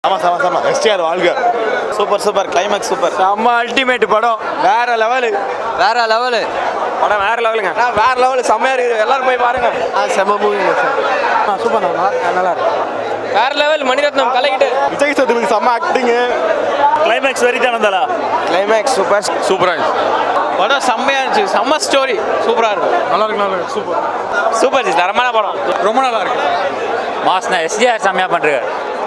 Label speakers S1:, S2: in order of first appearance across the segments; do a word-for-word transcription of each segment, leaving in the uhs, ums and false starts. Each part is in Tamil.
S1: ஆமாம் சாமா சாமா எஸ்டிஆர் வாழ்க.
S2: Super super climax super.
S3: செம்ம அல்டிமேட் படம். வேற லெவலு
S2: வேற லெவலு
S3: படம் வேற லெவலுங்க. வேற லெவலு செம்மையா இருக்குது. எல்லாரும் போய் பாருங்க.
S2: செம்ம மூவிங்க சார்.
S3: சூப்பர் நல்லா நல்லா இருக்கு. வேற லெவல் மணிரத்னம் கலக்கிட்டு.
S1: விஜய் சேதுபதி செம்ம ஆக்டிங்கு.
S4: கிளைமேக்ஸ் வரைக்கும் வந்தாலா?
S3: கிளைமேக்ஸ் சூப்பர்
S1: சூப்பராக இருந்துச்சு.
S3: படம் செம்மையா இருந்துச்சு. செம்ம ஸ்டோரி சூப்பரா இருக்கு.
S1: நல்லா இருக்கு நல்லா இருக்கு சூப்பர்
S3: சூப்பர் ஜி தரமான படம்.
S1: ரொம்ப நல்லா இருக்கு.
S4: மாஸ்னா எஸ்டிஆர் செம்மையா பண்றாரு.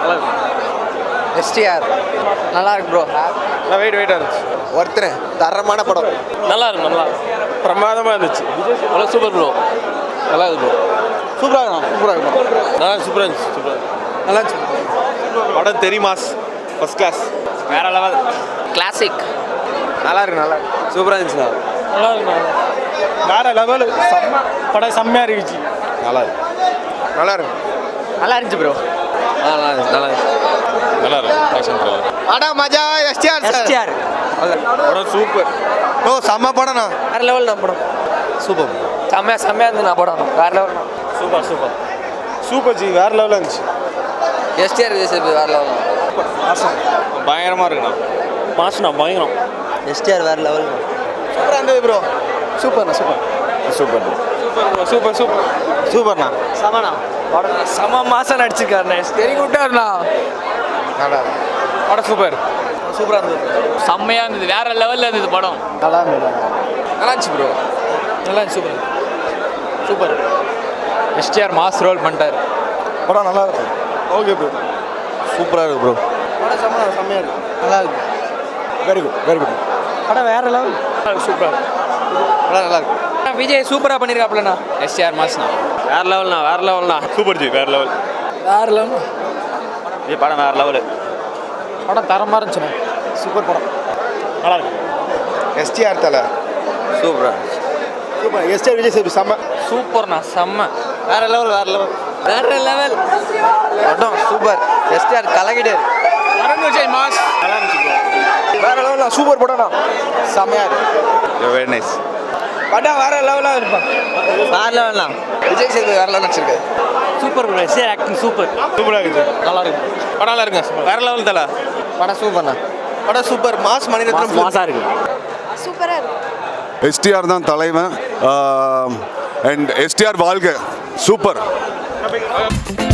S2: எஸ்டிஆர் நல்லா இருக்கு ப்ரோ.
S3: வெயிட் வெயிட்டா இருந்துச்சு.
S2: ஒருத்தர் தரமான படம்.
S3: நல்லா இருக்கு நல்லா பிரமாதமா இருந்துச்சு. நல்லா சூப்பர் ப்ரோ. நல்லா இருக்கு ப்ரோ.
S2: சூப்பராக இருக்கும் சூப்பராக இருக்கும்.
S3: நல்லா சூப்பரா இருந்துச்சு. சூப்பரா
S2: நல்லா இருந்துச்சு.
S1: படம் தெரியுமாஸ் ஃபர்ஸ்ட் கிளாஸ்.
S3: வேற லெவல்
S2: கிளாசிக்.
S3: நல்லா இருக்கு நல்லா சூப்பரா இருந்துச்சு. நல்லா இருக்கு
S1: வேற லெவலு.
S3: படம் செம்மையா இருந்துச்சு.
S1: நல்லா இருக்கு நல்லா இருக்கு
S2: நல்லா இருந்துச்சு ப்ரோ.
S3: நல்லா இருந்துச்சு நல்லா இருந்துச்சு.
S1: நல்லா இருக்கு ஆக்ஷன் த்ரில்லர்.
S2: படம் மஜா. எஸ்டிஆர்
S3: எஸ்டிஆர்
S1: படம் சூப்பர்.
S2: ஓ செம்ம படம்ண்ணா.
S3: வேற லெவல் நான் படம்.
S2: சூப்பர்.
S3: செம்மையா செம்மையா இருந்துச்சு நான் படம். வேற level
S1: super super super ji வேற லெவலில் இருந்துச்சு.
S2: எஸ்டிஆர் வேற லெவல்.
S1: பயங்கரமாக இருக்குண்ணா.
S4: மாஸ்னா பயங்கரம்.
S2: எஸ்டிஆர் வேற லெவல்.
S1: சூப்பராக இருந்தது ப்ரோ.
S2: சூப்பர்ண்ணா super.
S1: Super
S3: super super super
S1: சூப்பர்ண்ணா.
S2: செமண்ணா.
S3: செம மாசம் நடிச்சிருக்காருண்ணே. வெரி குட்டாருண்ணா.
S1: நல்லா இருக்கு
S3: படம் சூப்பர்
S2: சூப்பராக இருந்தது.
S4: செம்மையா இருந்தது. வேற லெவல்ல இருந்தது படம்.
S2: நல்லா இருந்தது.
S3: நல்லா இருந்துச்சு ப்ரோ. நல்லா இருந்துச்சு super super.
S4: STR mass role பண்ணிட்டாரு.
S1: படம் நல்லா இருக்கு. ஓகே ப்ரோ சூப்பராக இருக்கு ப்ரோ.
S2: படம் செம்ம செம்மையாக இருக்கு. நல்லா இருக்கு.
S1: Very good very good.
S3: படம் வேற லெவல் சூப்பர்.
S2: படம் நல்லா இருக்கு.
S3: விஜய் சூப்பரா பண்ணிருக்காப்லண்ணா.
S4: எஸ்டிஆர் மாஸ்னா
S3: வேற லெவல்ண்ணா வேற லெவல்ண்ணா.
S1: சூப்பர் ஜி வேற லெவல்.
S3: வேற லெவல்.
S4: இது படம் வேற லெவலு.
S3: படம் தரமா இருந்துச்சுண்ணா. சூப்பர் படம்.
S1: நல்லா இருக்கு. எஸ்டிஆர் தலை
S2: சூப்பரா.
S1: சூப்பர். எஸ்டிஆர் விஜய் சேதுபதி செம்ம.
S3: சூப்பர்ண்ணா செம்ம.
S2: வேற லெவல் வேற லெவல் வேற லெவல் படம் சூப்பர். எஸ்டிஆர் கலக்கிட்டு.
S3: அருண் விஜய் மாஸ்.
S1: நல்லா இருந்துச்சு ப்ரோ.
S2: வேற லெவல் சூப்பர் படம்ண்ணா. செம்மையா இருக்கு.
S1: Very nice.
S3: படம் வேற லெவலா இருப்பான்.
S2: வேற லெவல்ண்ணா. விஜய் சேதுபதி வேற லெவல் நடிச்சிருக்காரு.
S4: Super bro. STR acting super.
S1: சூப்பராக இருக்குது.
S3: நல்லா இருக்கு. படம் நல்லா இருக்குங்க. வேற லெவல் தல.
S2: படம் சூப்பர்ண்ணா. படம் சூப்பர். மாஸ் மணிரத்னம்.
S4: மாசா இருக்கு.
S5: சூப்பராக இருக்கும்.
S6: எஸ்டிஆர் தான் தலைவன். அண்ட் எஸ்டிஆர் வாழ்க. சூப்பர்.